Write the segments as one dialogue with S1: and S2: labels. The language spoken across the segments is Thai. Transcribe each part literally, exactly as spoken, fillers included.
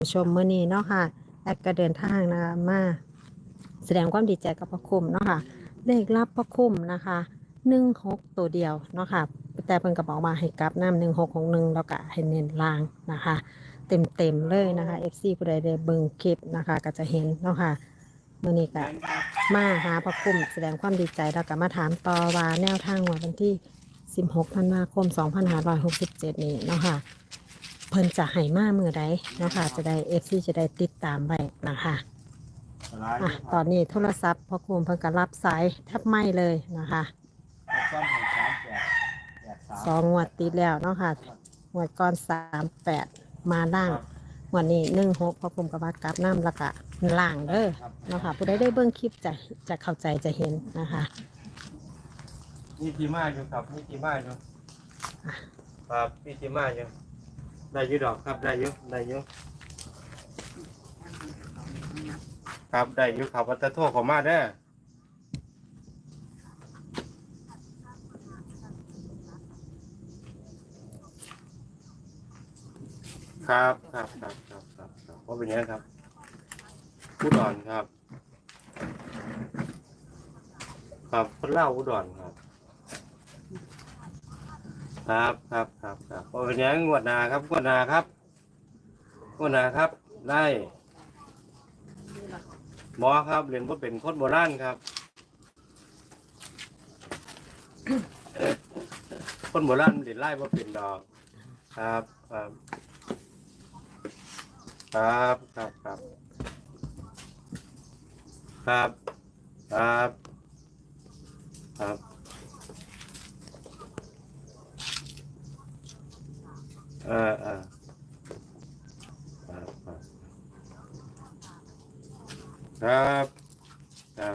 S1: ชมมื้อนี้เนาะค่ะแอดก็เดินทางนะคะมาแสดงความดีใจกับพระคุ้มเนาะค่ะเลขรับพระคุ้มนะคะหนึ่งหกตัวเดียวเนาะค่ะแต่เพิ่นก็บอกมาให้กลับน้ำหนึ่งหกของหนึ่งแล้วก็ให้เน้นล่างนะคะ เต็มเต็มเลยนะคะ เอฟ ซี ผู้ใดได้เบิ่งคลิปนะคะก็จะเห็นเนาะค่ะมื้อนี้ก็มาหาพระคุ้มแสดงความดีใจแล้วก็มาถามต่อว่าแนวทางวันที่สิบหกธันวาคมสองพันห้าร้อยหกสิบเจ็ดนี้เนาะค่ะเพิ่นจะให้มามือใดเนาะค่ะจะได้ เอฟ ซี จะได้ติดตามไว้นะคะอ่ะตอนนี้โทรศัพท์พอคุมเพิ่นก็รับสายแทบไม่เลยนะคะสองงวดติดแล้วเนาะค่ะงวดก่อนสามแปดมาล่างงวดนี้หนึ่งหกพอคุมกับว่ากลับน้ำแล้วก็ล่างเด้อเนาะค่ะผู้ใดได้เบิ่งคลิปจะจะเข้าใจจะเห็นนะคะ
S2: นี่ทีมาอยู่ครับนี่ทีมาอยู่ครับนี่ทีมาอยู่ได้ยุดอกครับได้ยุได้ยุครับได้ยุครับวัตถุของมาได้ครับครับครับครับครับครับเพราะเป็นอย่างนี้ครับอุดรครับครับคนเล่าอุดรครับครับครับครับครับเพราะเป็นอย่างนี้งวดนาครับงวดนาครับงวดนาครับได้หมอครับเรียนว่าเป็นคนโบราณครับคนโบราณเรียนไล่ว่าเป็นดอกครับครับครับครับครับครับครับครับเออเออครับครับครับ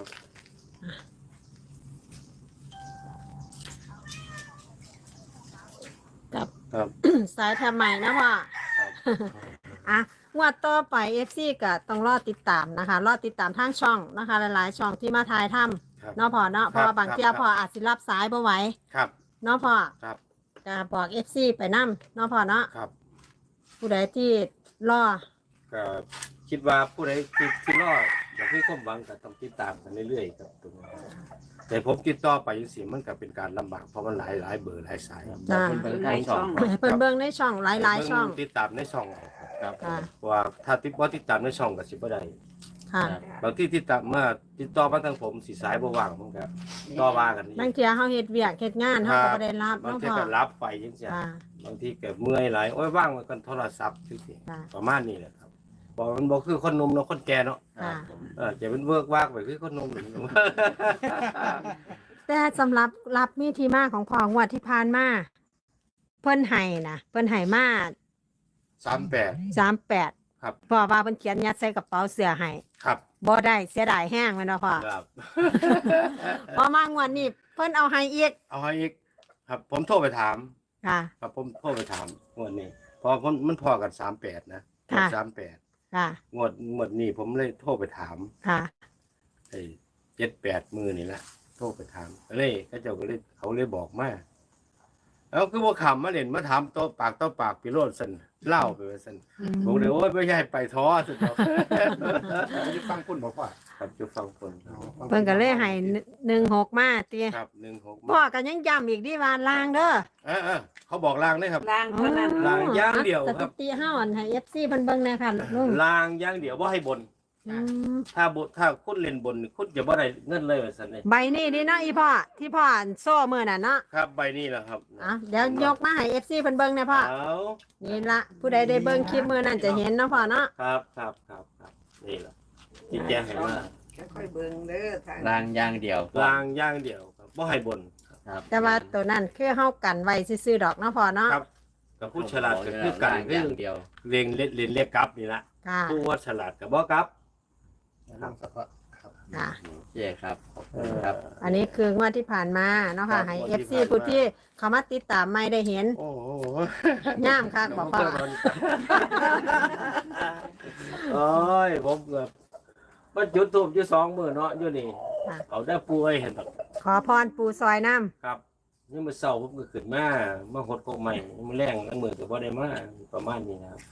S1: กับ
S2: ครับ
S1: สายทำไมนะพ่ออ่ะงวดต่อไป เอฟ ซี ก็ต้องรอติดตามนะคะ รอติดตามทางช่องนะคะ หลายๆช่องที่มาถ่ายทำเนาะพ่อเนาะเพราะว่าบางเที่ยพ่ออาจสิรับสายบ่ไหว
S2: ครับ
S1: เนาะพ่อ
S2: ครับ
S1: ก็บอก เอฟ ซี ไปนำเนาะพ่อเนาะ
S2: ครับ
S1: ผู้ใดที่รอ
S2: ก็คิดว่าผู้ใดที่ที่รอดอย่างที่ความหวังก็ต้องติดตามกันเรื่อยๆครับตรงนี้แต่ผมติดต่อไปยังสิมันก็เป็นการลำบากเพราะมันหลายหลายเบอร์หลายสาย
S1: จ้า
S3: เบิ่งทางช่อง
S1: ให้เพิ่นเบิ่งในช่องหลายๆช่อง
S2: ติดตามในช่องครับ
S1: ค่ะ
S2: เพราะว่าถ้าติดว่าติดตามในช่องก็สิบ่ได้
S1: ค่ะ
S2: บางที่ติดตามมาติดต่อมาทางผมสิสายบ่ว่างผมก็ต่อว่ากันนี่
S1: บางเที่ยเฮาเฮ็ดเวียกเฮ็ดงานเฮาก็บ่ได้รับบ
S2: าง
S1: เนาะ
S2: ที
S1: พ่อ
S2: ก็รับไปจังซี่
S1: ค่ะ
S2: บางทีก็เมื่อยหลายโอ้ยว่างไว้กันโทรศัพท์จังซี่
S1: ค่ะ
S2: ประมาณนี้แหละครับบอกมันบ่คือคนหนุ่มเนาะคนแก่เนาะ
S1: ค่ะ
S2: เออจะเป็นเวิร์กวากไปคือคนหนุ่มหนึ่ง
S1: แต่สำหรับรับมีที่มาของพ่องวดที่ผ่านมาเพิ่นให้นะเพิ่นให้มา
S2: สามแปด
S1: สามแปด
S2: ครับ
S1: พ่อว่าเพิ่นเขียนยัดใส่กระเป๋าเสื้อให้
S2: ครับ
S1: บ่ได้เสียดายแห้งแม่นบ่พ่อ
S2: ครับ
S1: พอมางวดนี้เพิ่นเอาให้อีก
S2: เอาให้อีกครับ ผมโทรไปถาม
S1: ค่ะ
S2: ครับผมโทรไปถามงวดนี้เพอมันมันพอกันสามแปดนะ
S1: ค่ะ
S2: สามแปด
S1: ค่ะ
S2: งวดงวดนี้ผมเลยโทรไปถาม
S1: ค่ะ
S2: ไอ้เจ็ดแปดมือนี่แหละโทรไปถามเลยเขาเจ้าก็เลยเขาเลยบอกมาแล้วคือว่าขำมาเล่นมาถามโต๊ะปากโต๊ะปากพิโรธสันเล่าไปว่าสันบอกเลยโอ้ยไม่ใช่ไปท้อสุดแล้ว
S3: จะฟังคุณบอกว่า
S2: ครับจะฟังคน
S1: เพิ่นก็เลยให้หนึ่งหกมาติ
S2: ครับหนึ่งหก
S1: พ่อก็ยังย้ำอีกดิว่าลางเด้อ
S2: เออเออเขาบอกลางได้ครับ
S4: ล่างเท่านั้น
S2: ลางอย่างเดียว
S1: ส
S2: ครับ
S1: ถิติเฮาอันให้ เอฟ ซี เพิ่นเบิ่งแน่ค่ะลุง
S2: ลางอย่างเดียวว่าให้บน
S1: อืม
S2: ถ้าบถ้าคุณเล่นบนคุณจะบ่ได้เงินเลยว่าสันเลย
S1: ใบนี้ดิเนาะอีพ่อที่พ่ออันโซ่มื้อน่ะเนาะ
S2: ครับใบนี้แหละครับ
S1: อ่ะเดี๋ยวยกมาให้ เอฟ ซี เพิ่นเบิ่งแน่พ่อ
S2: เอา
S1: นี่ละผู้ใดได้เบิ่งคลิปมื้อนั้นจะเห็นเนาะพ่อเนาะ
S2: ครับครับครับครับนี่แหละที่แจ้งให้มา
S4: ค่อยๆเบิ่งเด้อทาง
S3: รางอย่างเดียว
S2: ลางอย่างเดียวครับบ่ให้บน
S3: ครับ
S1: แต่ว่าตัวนั้นคือเฮากันไว้ซื่อๆดอกเนาะพ่อเนาะ
S2: ครับกับผู้ฉลาดก็คือกัน
S3: ราง
S2: คื
S3: อ
S2: อย่าง
S3: เดียว
S2: เรียนเล่นเรียนเรียกกลับนี่ละ
S1: ค่ะ
S2: ผู้ว่าฉลาดกับบ่กลับ
S3: ครับ
S1: ค่ะ
S3: โอเคครับขอบคุณครับ
S1: อันนี้คืองวดที่ผ่านมาเนาะค่ะให้ เอฟ ซี ผู้ที่เขามาติดตามไม่ได้เห็น
S2: โอ้โห
S1: ย่ามคักบอกพ่อ
S2: โอ้ยผมเกือบมันจุดทูบอยู่สองมือเนาะอยู่นี่
S1: ค่ะ
S2: เอาได้ป่วยเห็นแบบ
S1: ขอพรปูซอยน้ำ
S2: ครับนี่มือเศร้าผมก็ขึ้นมามาหดกบใหม่มาแรงน้ำมือก็บ่ได้มาประมาณนี้นะครับ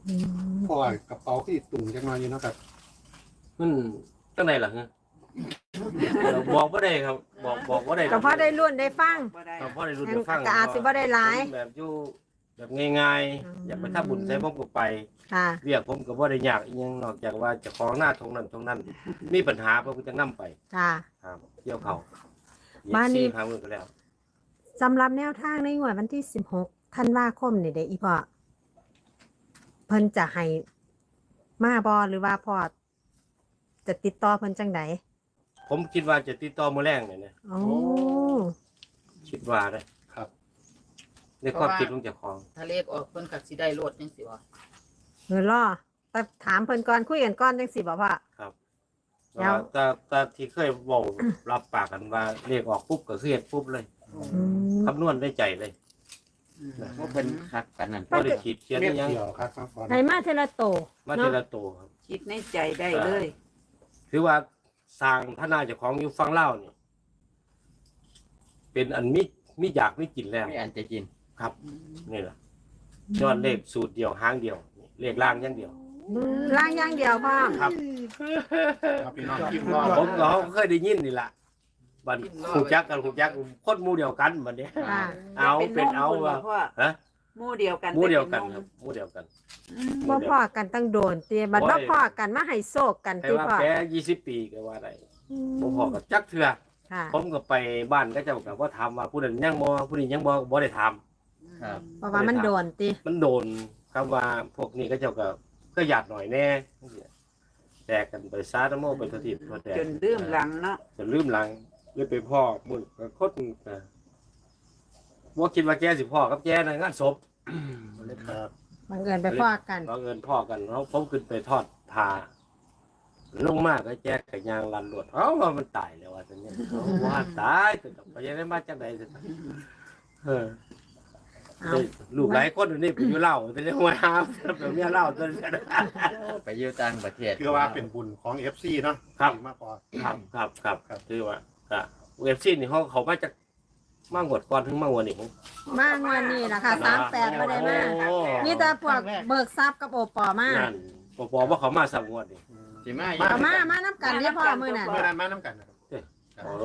S1: อืม
S5: เพราะว่ากระเป๋าที่ตุ่มจังน้อยอยู่เนาะครับ
S2: มันตั้งไหนล่ะฮะเดี๋ยวบอกบ่ได้ครับ บอกบอกบ่ได้
S1: ก็พอได้รุ่นได้ฟัง
S4: บ่ได้
S2: ครับพอได้รู้ได้ฟัง
S1: ก็อาจสิบ่ได้หลาย
S2: ผมแบบอยู่แบบง่าย
S1: อืม
S2: ๆ อยากไปทำบุญใส่ผมก็ไป
S1: ค่ะ
S2: เรียกผมก็บ่ได้ยากอิหยังนอกจากว่าเจะของหน้าตรงนั้นตรงนั้น มีปัญหาผมก็จะนํไป
S1: ค่ะ
S2: ครับเกี่ยวเขา
S1: บ้านนี้
S2: เย็บซี่หามือก็แล้ว
S1: สำหรับแนวทางในงวดวันที่สิบหกธันวาคมนี่เด้อีพ่อเพิ่นจะให้มาบ่หรือว่าพ่อจะติดต่อเพิ่นจังได
S2: ผมคิดว่าจะติดต่อมื้อแรงเนี่ยนะ
S1: โอ้
S2: คิดว่าได้
S5: ครับ
S2: ในความคิดของเจ้าของ
S6: ถ้าเลขออกเพิ่นก็สิได้โลดจังซี่ว่า
S1: เงินล่อแต่ถามเพิ่นก่อนคุยกันก่อนจังสิบ่พ่อ
S2: ครับ
S1: แล้ว
S2: แต่แต่ที่เคยเว้ารับปากกันว่าเรียกออกปุ๊บก็คือเฮ็ดปุ๊บเลย
S1: อืม
S2: คำนวณได้ใจเลย
S3: ว่าเป็นคักกันนั่น
S2: บ่ได้ขีดเขียน
S5: เม็
S2: อิ
S5: ด
S2: หยัง
S5: เดียวครับฟังก่อน
S1: ให้มาเทละโต
S2: มา
S1: เนาะ
S2: ทีละตัวครับ
S4: คิดในใจได้เลย
S2: ถือว่าสร้างพระนาเจ้าของอยู่ฝั่งลาวนี่เป็นอันมิมิอยากไม่กินแล้ว
S3: ไม่อันจะกิน
S2: ครับนี่แหละยอดเลขสูตรเดียวหางเดียวเลขล่างอย่างเดียว
S1: ล่างอย่างเดียวพ่อ
S2: ครับ
S5: ครับพี่น้องพิมพ์รอ
S2: ผมก็เคยได้ยินนี่แหละบัดหูจักกันหูจักคนหมู่เดียวกันบัดนี้
S1: ค่ะ
S2: เอาเป็นเอา
S4: ว่า
S2: ว่า
S4: พ่อ
S2: ฮะ
S4: หมู่เดียวกัน
S2: หมู่เดียวกัน
S4: แต่ป็
S2: ครับหมู่เดียวกัน
S1: บ่พ่อกันตั้งโดนเตียบัดบ่พ่อกันมาให้โศกกัน
S2: แต่
S1: ติ
S2: ว่า
S1: พ่อ
S2: แกยี่สิบปีก็ว่าได้บ่พอกับจักเทื่อ
S1: ค่ะ
S2: ผมก็ไปบ้านก็เจ้าก็บ่ถามว่าผู้นั้นยังบ่ผู้นี้ยังบ่บ่ได้ถาม
S3: ครับ
S1: เพราะว่ามันโดนติ
S2: มันโดนคำว่าพวกนี้ก็เจ้าก็ก็หยาดหน่อยแน่แตกกันไปซาตะโมไปททิพทั่วแดน
S4: จนลืมหลังเนาะ
S2: จนลืมหลังเลยไปพ่อมึงก็คดอ่าบ่คิดว่าแกสิพ่อกับแกในงานศพ
S5: ครับ
S1: บังเอิญไปพ่อกัน
S2: บังเอิญพ่อกันเนาะผมขึ้นไปทอดผ้าลงมาก็แจกกับยางลันรวดเอ้าว่ามันตายแล้วว่าซั่นเนี่ยเอาว่าตายแต่ไปยังได้มาจังได๋ซั่นเออ
S1: เอา
S2: ลูกหลายคนอยู่นี่ไปอยู่เล่าแต่ยังว่าหาแบบเมียเล่าจน
S3: ไปอยู่ต่างประเทศ
S5: คือว่าเป็นบุญของ เอฟ ซี เนาะ
S2: ครับ
S5: มากกว่า
S2: ครับครับครับครับคือว่าก็เว็บซีนี่เขาเขามาจากมางวดก่อนถึงมางวดนี่ผม
S1: มางวันนี้ล่ะค่ะสามแปดบ่ได้มา
S2: โอ้
S1: มีแต่พวกเบิกทรัพย์กับโอปอมา
S2: นั่นปอปอว่าเขามาสามงวดนี่
S3: สิมา
S1: เอามามาน้ำกันเด้อพ่อมื้อนั้น
S5: เมื่อนั้นมาน้ำกันนะครับ
S2: โอ้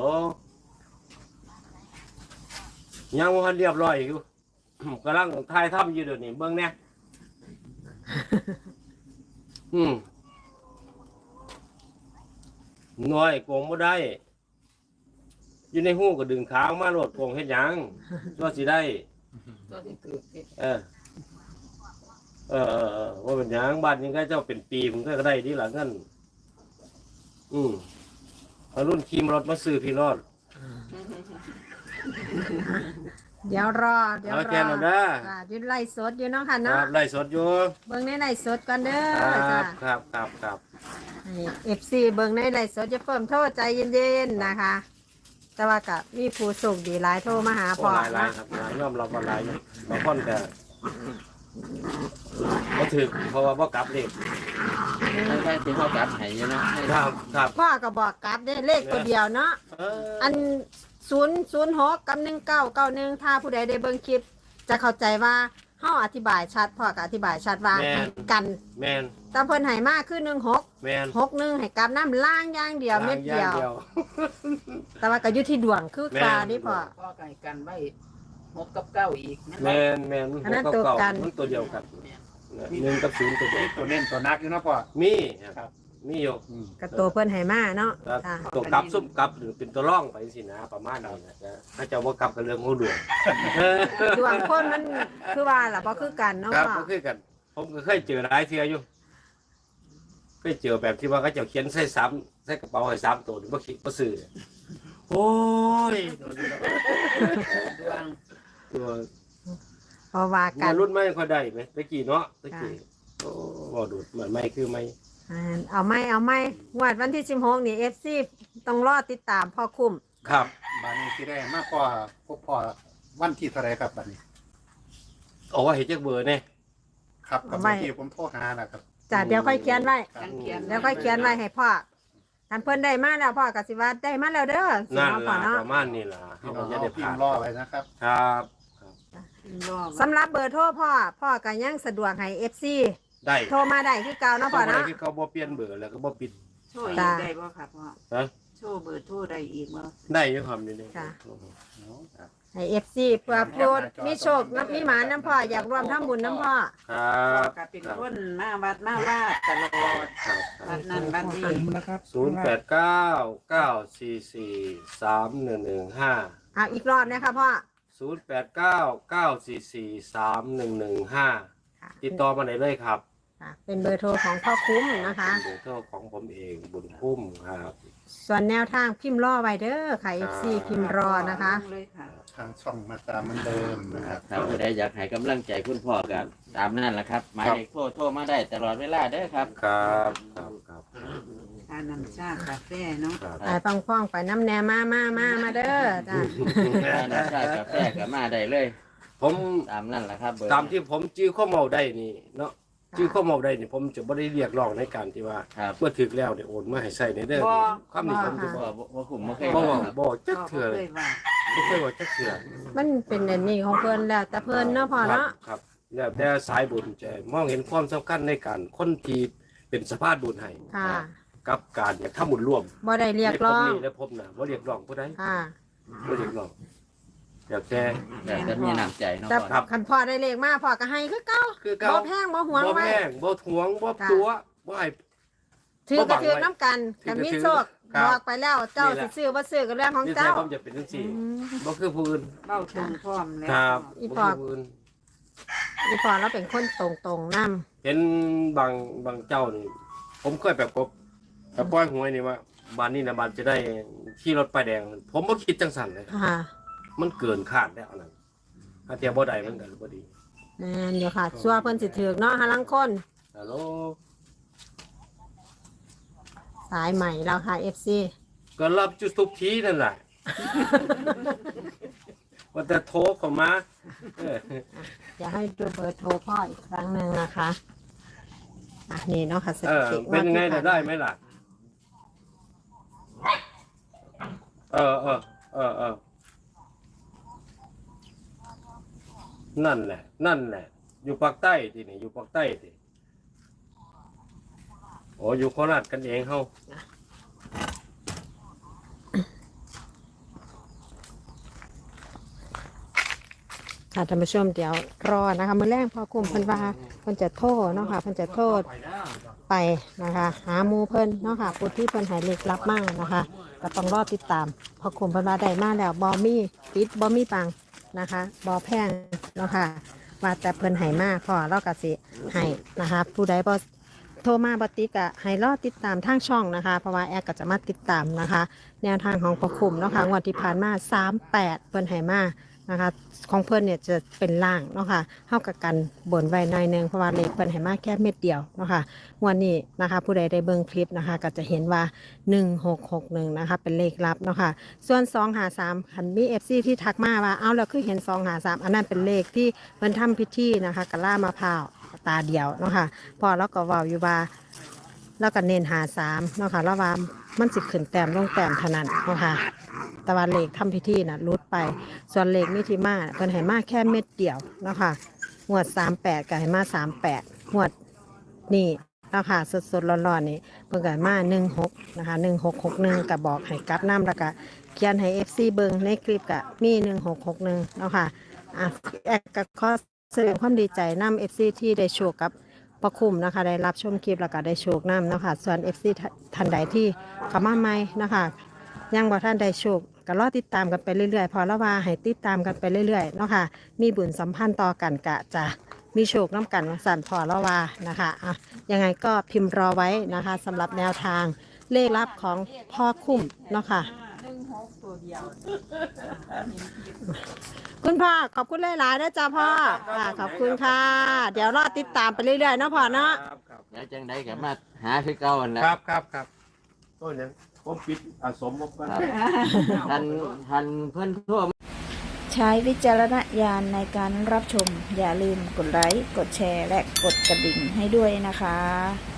S2: ยังว่าเรียบร้อยอยู่ กำลังถ่ายทำอยู่เดี๋ยวนี้เบิ่งแน่อืมน้อยโกงบ่ได้ อยู่ในหู้ก็ดึงขาออกมาโลดโกงเฮ็ดหยังว่าสิได้
S6: ตัวที่ถือติด
S2: เออ เออเออเออว่าเป็นหยังบ้านนี้ก็เจ้าเป็นปีผมก็ได้ดีหลังนั้นอืมเอารุ่นขี่รถมาซื้อพี่รอด
S1: เดี๋ยวรอ เดี๋ยว
S2: เอา
S1: ร
S2: แค่
S1: อ
S2: นั้นเด้อ
S1: ค่ะอยืนไล่สดอยู่เนาะค่ะ
S2: ค
S1: เนาะ
S2: รับไล่สดอยู่
S1: เบิ่งในไล่สดก่อนเด้
S2: ค
S1: อ
S2: รั
S1: จ้ะ
S2: บครับครับครับ
S1: เอฟซีเบิ่งในไล่สดจะเพิ่มโทษใจเย็นๆนะคะ แต่ว่ากับมีผู้ส่งดีหลายโทรมาหา
S2: โอ้
S1: พ่อ
S2: หลายหลาย
S1: เนาะ
S2: ครับหลายยอมรับว่าหลายอยู่บางคนก็บ่ถึกเพราะว่าบ่กลับเลข
S3: ให้ได้ที่เขากลับให้อยู่เนาะให้
S2: ครับครับ
S1: พ่อก็บอกกลับได้เลขตัวเดียวเนาะ
S2: เออ
S1: อันศูนย์ศูนย์หกกับหนึ่งเก้าเก้าหนึ่งถ้าผู้ใดได้เบิ่งคลิป จะเข้าใจว่าเฮาอธิบายชัดพ่อก็อธิบายชัดว่าให้กัน
S2: แม่น
S1: แตาเพิ่นให้มาคือหนึ่งหก
S2: แม่น
S1: หกหนึ่งให้กลับน้ำล่างอย่างเดียวเม็ดเดียว
S2: าง
S1: แต่ว่าก็อยู่ที่ดวงคือ
S2: แม่น
S1: กานี่พ่อ
S6: พ่อไก่กันไว้หกกับเก้าอีกนั่นแหละ
S2: แม่นแม่น
S1: อันนั้น
S2: หก
S1: ตัว
S2: เก้า
S1: กัน
S2: มันตัวเดียวกันหนึ่งกับศูนย์ตัวเดียว
S5: ตัวเน้นตัวนักอยู่เนาะพ่อ
S2: มีครับมีอยู่
S5: อืม
S1: กับตัวเพิ่นให้มาเนาะ
S2: ครับ
S1: ค่ะ
S2: ตัวกลับซุ่มกลับหรือเป็นตัวร่องไปสินะประมาณนี้นะจ๊ะถ้าเจะว่ากลับกับเรื่องของดวง
S1: ดวงคนมันคือว่าล่ะบ่คือกันเนาะ
S2: ครับ
S1: พ่อ
S2: ก็คือกัน ผมก็เคยเจอหลายเทื่ออยู่เคยเจอแบบที่ว่าเขาเจะเขียนใส่ซ้ำใส่กระเป๋าให้ซ้ำตัวหรือว่าคิดว่าซื้อโอ้ย
S6: ดวง
S2: ตัว
S1: เพราะว่ากั
S2: มาน รุ่นไม่ค่อยได้ไหมตะกี้เนาะตะกี้โอ้บ่ดูดเหมือนไม่คือไม่
S1: อ่าเอาไหม่เอาไหม่งวดวันที่สิบหกนี่ เอฟ ซี ต้องรอติดตามพ่อคุ้ม
S2: ครับ
S5: บ้านนี้ที่ได้มากกว่าพวกพ่อวันที่เท่าไรครับบ้านนี้
S2: เอาว่าเห็นจักเบอร์เนี่ย
S5: ครับกับ
S1: เอาไว้
S5: ที่ผมโทรหานะครับ
S1: จ้ะเดี๋ยวค่อยเขียนไว้
S5: ครับ
S6: กันเขียน
S1: เดี๋ยวค่อยเขียนไว้ให้พ่อท่านเพิ่นได้มาแล้วพ่อก็สิว่าได้มาแล้วเด้อสิ
S2: นั่น
S1: เนาะพ่อ
S2: ล่ะ
S1: เนาะ
S2: ประมาณนี้ล่ะ
S5: พี่
S2: เขา
S5: น้
S2: ก็
S5: อง
S2: จะได้
S5: เอาพิ
S2: ผ่าม น
S5: พ์รอไว้นะครับ
S2: ครับ
S4: รอบ
S1: สำหรับเบอร์โทรพ่อ พ่อก็ยังสะดวกให้ เอฟ ซี
S2: ได้
S1: โทรมาได้คือเก่าเนาะพ่อ
S2: บ่ได้
S1: เนาะ
S2: คือเขาบ่เปลี่ยนเบอร์แล้วก็บ่ปิด
S4: โชว์อี
S1: จ้า
S4: กได้บ่ครับพ่อ
S2: ฮะ
S4: โชว์เบอร์โทรได้อีกบ่
S2: ได้อยู่ครับนี่นี่
S1: ค่ะ
S5: ครับ
S1: ให้ เอฟ ซี เพื่อพูดมีโชคนับมีหมาน้ำพ่ออยากรวมทำบุญน้ำพ่อ
S2: ครั
S4: พ่อบ ก็เป็นคนมาวัดมาว่าตลอด
S2: ครับค
S4: วั
S2: รับ
S4: ดนั้นวัดนี้
S2: ศูนย์แปดเก้า เก้าสี่สี่ สามหนึ่งหนึ่งห้า
S1: เอาอีกรอบนะคะพ่อ
S2: ศูนย์แปดเก้า เก้าสี่สี่ สามหนึ่งหนึ่งห้า
S1: ค่ะ
S2: ติดต่อมาไหนเลยครับ
S1: ค่ะเป็นเบอร์โทรของพ่อคุ้มนะคะ
S2: เบอร์โทรของผมเองบุญคุ้มครับ
S1: ส่วนแนวทางพิมพ์รอไว้เด้อค่ะ เอฟ ซี พิมพ์รอนะคะ
S4: เลยค่ะ
S5: ทางช่องมาตามเหมือนเดิมนะครับ
S3: ถ้าผู้ใดอยากให้กำลังใจคุณพ่อกันตามนั่นแหละครับหมายเลขโทรโทรมาได้ตลอดเวลาเด้อครับ
S2: ครับครับครับ
S4: ทานน้ำชากาแฟเนาะ
S2: ครับ
S1: ไปป้องป้องๆไปน้ำแหนมามามามาเด้อจ้า
S3: ถ้าน้ำชากาแฟก็มาได้เลย
S2: ผม
S3: ตามนั่นแหละครับเบอร์
S2: ตามที่ผมจื้อข้อเมาได้นี่เนาะจื้อข้อเมาได้นี่ผมจะไม่ได้เรียกร้องในการที่ว่า
S3: ครับ
S2: เมื่อถึกแล้วเนี่ยโอนมาให้ใส่ในเด้อ
S4: บ่
S2: ความนี้ผมจะ
S3: บ่
S2: บอก
S3: บ่บ่คุ้มบ่เคย
S2: บ่
S3: บอก
S2: บอก
S3: ครับ
S2: บอกจัก
S4: พ่อ
S2: เถื่อ
S4: เค
S2: เลย
S4: ยว่า
S2: ไม่เคยบอกจักเถื่อ
S1: มันเป็นอันนี้ของเพิ่นแล้วแต่เพิ่นเนาะพ่อเนาะ
S2: ครับแล้วแต่สายบุญจะมองเห็นความสำคัญในการคนที่เป็นสภาพบุญให้
S1: ค่ะ
S2: กับการอยากทำบุญร่วม
S1: บ่ได้เรียกร้อง
S2: ในพบนี้และพบหน้าบ่เรียกร้องผู้ใด
S1: ค่ะ
S2: บ่เรียกร้องอยากแต่
S3: แต่จะมีน้ำใจเนาะ
S1: แต่
S3: พ่อ
S2: ครับ
S1: คันพ่อได้เลขมาพ่อก็ให้คือเก่า
S2: คือเก่า
S1: บ่แพงบ่หวง
S2: บ่
S1: ไว้
S2: แพงบ่ทวงบ่ตัวบ่ให้
S1: ถือก็ถือน้ำกัน
S2: ถือ
S1: กัน
S2: ก็
S1: มี
S2: ถือ
S1: โชค
S2: ครับ
S1: บอกไปแล้วเจ้า
S2: นี่แห
S1: สิ
S2: ละ
S1: ซื้อบ่ซื้อก็เรื่องของ
S2: นี่แท้
S1: เจ้า
S2: ผมจะเป็นจังซี่
S1: อืม
S2: บ่คือผู้อื่น
S4: เบ้าตรงพร้อมแล้ว
S2: ครับ
S1: อี
S2: บ่
S1: พอ
S2: คือผู้อื่น
S1: อีพ่อเราเป็นคนตรงๆนำ
S2: เห็นบางบางเจ้านี่ผมเคยแบบกบแต่ปล่อยหวยนี่ว่าบ้านนี้นะบ้านจะได้ขี่รถป้ายแดง ผมบ่คิดจังสั่นเลย
S1: ค่ะ
S2: มันเกินคาดแล้วอันนั้นถ้าเทียบบ่ได้มันก็บ่ดี
S1: แม่นอยู่ค่ะซัวเพิ่นสิถือกเนาะหาลังคน
S2: ฮัลโหล
S1: สายใหม่แล้วค่ะ เอฟ ซี
S2: ก็รับจุดทุกทีนั่นแหละ ว่าแต่โทรเข้ามาเออ
S1: อยากให้ดูเบอร์โทรพ่ออีกครั้งหนึ่งนะคะอ่ะนี่เนาะค่ะส
S2: เอ
S1: ถิ
S2: อ
S1: ติ
S2: เป็นยังไง
S1: วั
S2: แต่
S1: ที่
S2: ได้
S1: ผ่าน
S2: ไหมล่ะ เออเออเออเออนั่นแหละ นั่นแหละ อยู่ภาคใต้ที่นี่อยู่ภาคใต้ที่โอ้อยู่โคราชกันเองเฮา
S1: ค่ะท่านผู้ชมเดี๋ยวรอนะคะมื้อแรกพอกลุ่มเพิ่นว่าเพิ่นจะโทษเนาะค่ะเพิ่นจะโทษไปนะคะ หาหมู่เพิ่นเนาะค่ะผู้ที่เพิ่นใหายเลขลับมากนะคะ ก็ต้องรอติดตามพอกลุ่มเพิ่นว่าได้มาแล้วบ่มีปิดบ่มีปังนะคะบ่แพงเนาะค่ะว่าแต่เพิ่นใหายมาพอเราก็สิให้นะคะ ผู้ใดบ่โทรมาบ่ติดก็ให้รอติดตามทางช่องนะคะ เพราะว่าแอดก็จะมาติดตามนะคะ แนวทางของพอคุมเนาะค่ะงวดที่ผ่านมาสามแปดเพิ่นใหายมานะคะของเพิ่นเนี่ยจะเป็นล่างเนาะค่ะเท่ากับกันบนไว้หน่อยหนึงเพราะว่าเลขเพิ่นให้มาแค่เม็ดเดียวเนาะค่ะงวันนี้นะคะผู้ใดได้เบิ่งคลิปนะคะก็จะเห็นว่าหนึ่งหกหกหนึ่งนะคะเป็นเลขลับเนาะค่ะส่วนสองหาสามคันมี เอฟ ซี ที่ทักมาว่าเอาแล้วคือเห็นสองหาสามอันนั้นเป็นเลขที่เพิ่นทำพิธีนะคะกะล่ามะพร้าวตาเดียวเนาะค่ะพอแล้วก็เว้าอยู่ว่าแล้วก็เน้นหาสามเนาะค่ะแล้วว่ามันสิขึ้นแต้มลงแต้มเท่านั้นเนาะค่ะแต่ว่าเลขทำพิธีน่ะรุดไป ส่วนเลขมิถิมาเพิ่นให้มาแค่เม็ดเดียวเนาะค่ะงวดสามแปดก็ให้มาสามแปดงวดนี่เนาะค่ะสดๆร้อนๆนี่เพิ่นก็ให้มาหนึ่งหกนะคะหนึ่งหกหกหนึ่งก็บอกให้กลับน้ำแล้วก็เขียนให้เอฟซีเบิ่งในคลิปก็มีหนึ่งหกหกหนึ่งเนาะค่ะอ่ะแอดก็ขอแสดงความดีใจนำเอฟซีที่ได้โชคกับประคุมนะคะได้รับชมคลิปแล้วก็ได้โชคนำเนาะค่ะส่วนเอฟซีท่านใดที่เข้ามาใหม่นะคะยังบ่ท่านได้โชคก็รอติดตามกันไปเรื่อยๆพอละว่าให้ติดตามกันไปเรื่อยๆเนาะค่ะมีบุญสัมพันธ์ต่อกันกะจะมีโชคน้ำกันสั่นพอละว่านะคะอ่ะยังไงก็พิมพ์รอไว้นะคะสำหรับแนวทางเลขลับของพ่อคุ้มเนาะค่ะคุณพ่อขอบคุณหลายๆนะจ๊ะพ่อค่ะขอบคุณค่ะ เดี๋ยวรอติดตามไปเรื่อยๆเนาะพ่อเนาะ
S2: ครับครับ
S3: แล้วจังไดก็มาหาคือเก่านั่นแหละ
S2: ครับครับครับต้นยังผมปิดอาสมผมก็
S3: ครับทันทันเพิ่นโทร
S7: ใช้วิจารณญาณในการรับชม อย่าลืมกดไลค์ กดแชร์ และกดกระดิ่งให้ด้วยนะคะ